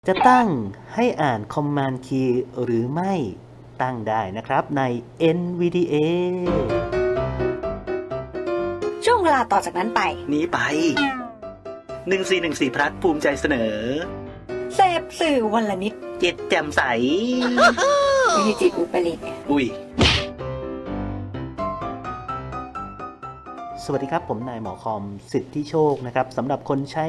จะตั้งให้อ่าน Command Key หรือไม่ตั้งได้นะครับใน NVDA ช่วงเวลาต่อจากนั้นไปนี้ไป 1414 พลัสภูมิใจเสนอเสพสื่อวันละนิดจิตแจ่มใสไม่ใช่จิตอุปริตอุ้ย สวัสดีครับผมนายหมอคอมสิทธิโชคนะครับสำหรับคนใช้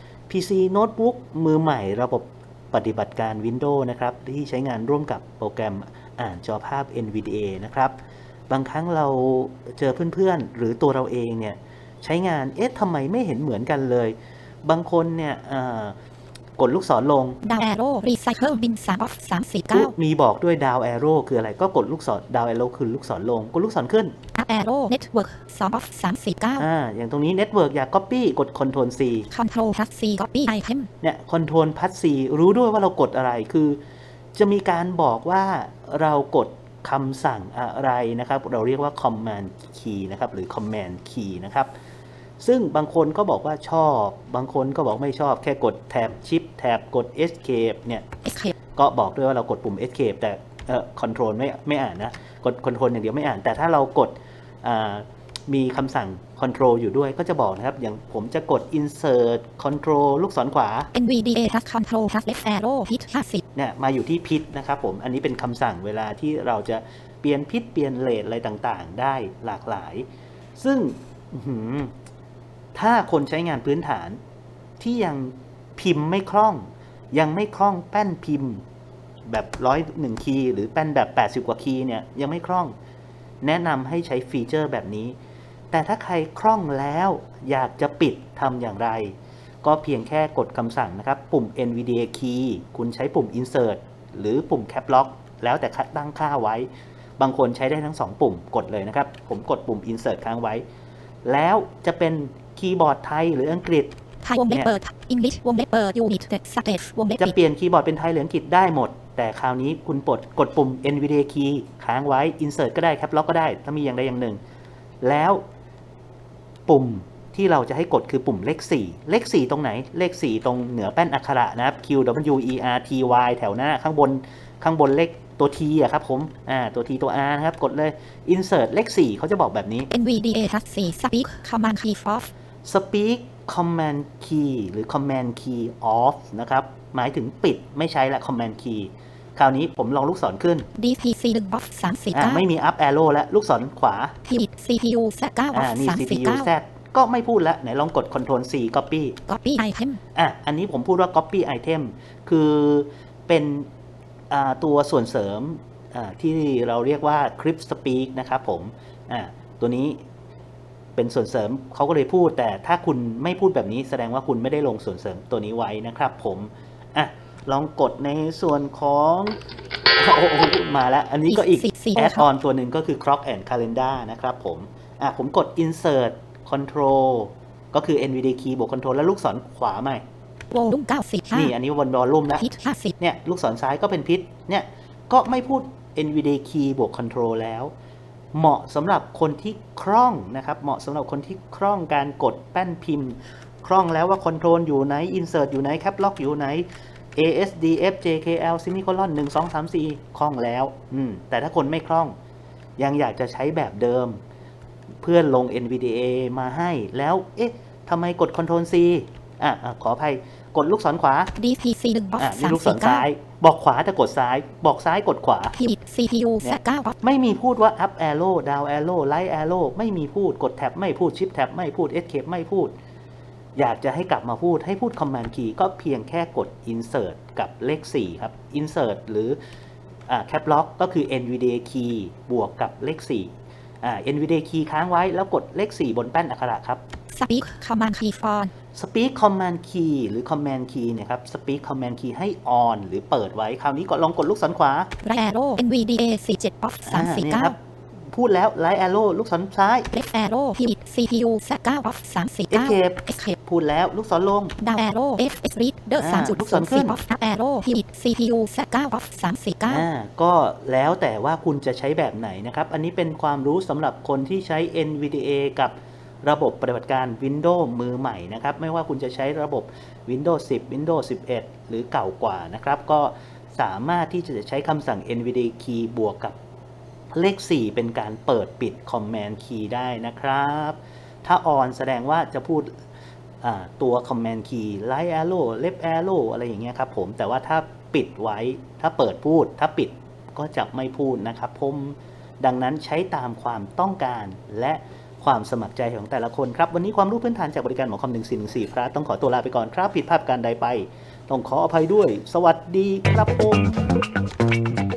PC โน้ตบุ๊กมือใหม่ระบบปฏิบัติการ Windows นะครับที่ใช้งานร่วมกับโปรแกรมอ่านจอภาพ NVDA นะครับบางครั้งเราเจอเพื่อนๆหรือตัวเราเองเนี่ยใช้งานทำไมไม่เห็นเหมือนกันเลยบางคนเนี่ยกดลูกศรลงดาวแอโร่รีไซเคิลบิน3 of 349 มีบอกด้วยดาวแอโร่คืออะไรก็กดลูกศรดาวแอโร่คือลูกศรลงกดลูกศรขึ้นอัพแอโร่เน็ตเวิร์ก2 of 349 อย่างตรงนี้ Network อยาก Copy กด Ctrl C Control plus C Copy Item เนี่ย Ctrl plus C รู้ด้วยว่าเรากดอะไรคือจะมีการบอกว่าเรากดคำสั่งอะไรนะครับเราเรียกว่า Command Key นะครับหรือ Command Key นะครับซึ่งบางคนก็บอกว่าชอบบางคนก็บอกไม่ชอบแค่กดแท็บ Shift แท็บกด Escape เนี่ย Escape ก็บอกด้วยว่าเรากดปุ่ม Escape แต่Control ไม่อ่านนะกด Control อย่างเดียวไม่อ่านแต่ถ้าเรากดมีคำสั่ง Control อยู่ด้วยก็จะบอกนะครับอย่างผมจะกด Insert Control ลูกศรขวา NVDA plus Control plus Left arrow hit 50 เนี่ยมาอยู่ที่พิษนะครับผมอันนี้เป็นคำสั่งเวลาที่เราจะเปลี่ยนพิษเปลี่ยนเลทอะไรต่างๆได้หลากหลายซึ่งถ้าคนใช้งานพื้นฐานที่ยังพิมพ์ไม่คล่องยังไม่คล่องแป้นพิมพ์แบบ101คีย์หรือแป้นแบบ80กว่าคีย์เนี่ยยังไม่คล่องแนะนำให้ใช้ฟีเจอร์แบบนี้แต่ถ้าใครคล่องแล้วอยากจะปิดทำอย่างไรก็เพียงแค่กดคำสั่งนะครับปุ่ม NVDA key คุณใช้ปุ่ม insert หรือปุ่ม cap lock แล้วแต่ตั้งค่าไว้บางคนใช้ได้ทั้ง2ปุ่มกดเลยนะครับผมกดปุ่ม insert ค้างไว้แล้วจะเป็นคีย์บอร์ดไทยหรืออังกฤษไทยวงเล็บเปิด English วงเล็บเปิด Unit Stage วงเล็บจะปิดเปลี่ยนคีย์บอร์ดเป็นไทยหรืออังกฤษได้หมดแต่คราวนี้คุณกดปุ่ม NVDA key ค้างไว้ insert ก็ได้ cap lock ก็ได้ถ้ามีอย่างใดอย่างหนึ่งแล้วปุ่มที่เราจะให้กดคือปุ่มเลข4เลข4ตรงไหนเลข4ตรงเหนือแป้นอักขระนะครับ Q W E R T Y แถวหน้าข้างบนเลขตัว T อะครับผมตัว T ตัว R นะครับกดเลย insert เลข4เขาจะบอกแบบนี้ NVDA plus C Speak Command Key off Speak Command Key หรือ Command Key off นะครับหมายถึงปิดไม่ใช้ละ Command Key คราวนี้ผมลองลูกศรขึ้น DPC 1 of ไม่มี up arrow แล้วลูกศรขวา Hit CPU Z 9 of นี่ CPU Z 349 ก็ไม่พูดแล้วไหนลองกด Ctrl C Copy Copy Item อันนี้ผมพูดว่า Copy Item คือเป็นตัวส่วนเสริมที่เราเรียกว่า Clip Speak นะครับผมตัวนี้เป็นส่วนเสริมเขาก็เลยพูดแต่ถ้าคุณไม่พูดแบบนี้แสดงว่าคุณไม่ได้ลงส่วนเสริมตัวนี้ไว้นะครับผมลองกดในส่วนของมาแล้วอันนี้ก็อีก add on ตัวหนึ่งก็คือ Clock and Calendar นะครับผมกด Insert Control ก็คือ NVDA key บวก Control แล้วลูกศรขวาใหม่ Volume 95 นี่อันนี้วนวอลลุ่มแล้ว Hit 50 เนี่ยลูกศรซ้ายก็เป็นพิษเนี่ยก็ไม่พูด NVDA key บวก Control แล้วเหมาะสำหรับคนที่คล่องนะครับเหมาะสำหรับคนที่คล่องการกดแป้นพิมพ์คล่องแล้วว่า Control อยู่ไหน Insert อยู่ไหน Cap Lock อยู่ไหน ASDF JKL Semicolon 1 2 3 4คล่องแล้วแต่ถ้าคนไม่คล่องยังอยากจะใช้แบบเดิมเพื่อนลง NVDA มาให้แล้วทำไมกด Ctrl C ขออภัยกดลูกศรขวา DPC 1 of นี่ลูกศรซ้ายบอกขวาแต่กดซ้ายบอกซ้ายกดขวา Hit CPU Z 9 of ไม่มีพูดว่า up arrow down arrow right arrow ไม่มีพูดกดแท็บไม่พูด shift tab ไม่พูด escape ไม่พูดอยากจะให้กลับมาพูดให้พูด command key ก็เพียงแค่กด insert กับเลข4ครับ insert หรือcap lock ก็คือ NVDA key บวกกับเลข4NVDA key ค้างไว้แล้วกดเลข4บนแป้นอักขระครับ Speak Command Key on Speak Command Key หรือ Command Key เนี่ยครับ Speak Command Key ให้ on หรือเปิดไว้คราวนี้ก็ลองกดลูกศรขวา Right arrow NVDA 47 of นี่ครับพูดแล้ว Right arrow ลูกศรซ้าย Left arrow Hit CPU Z 9 of 349 Escape พูดแล้วลูกศรลง Down arrow FS Reader ลูกศรขึ้น 3.0 of Up arrow Hit CPU Z 9 of 349 ก็แล้วแต่ว่าคุณจะใช้แบบไหนนะครับอันนี้เป็นความรู้สำหรับคนที่ใช้ NVDA กับระบบปฏิบัติการ Windows มือใหม่นะครับไม่ว่าคุณจะใช้ระบบ Windows 10 Windows 11 หรือเก่ากว่านะครับก็สามารถที่จะใช้คำสั่ง NVDA key บวกกับเลข 4 เป็นการเปิดปิด Command Key ได้นะครับถ้า on แสดงว่าจะพูดตัว Command Key Right Arrow Left Arrow อะไรอย่างเงี้ยครับผมแต่ว่าถ้าปิดไว้ถ้าเปิดพูดถ้าปิดก็จะไม่พูดนะครับผมดังนั้นใช้ตามความต้องการและความสมัครใจของแต่ละคนครับวันนี้ความรู้พื้นฐานจากบริการหมอคอม1414พระต้องขอตัวลาไปก่อนครับผิดพลาดการใดไปต้องขออภัยด้วยสวัสดีครับผม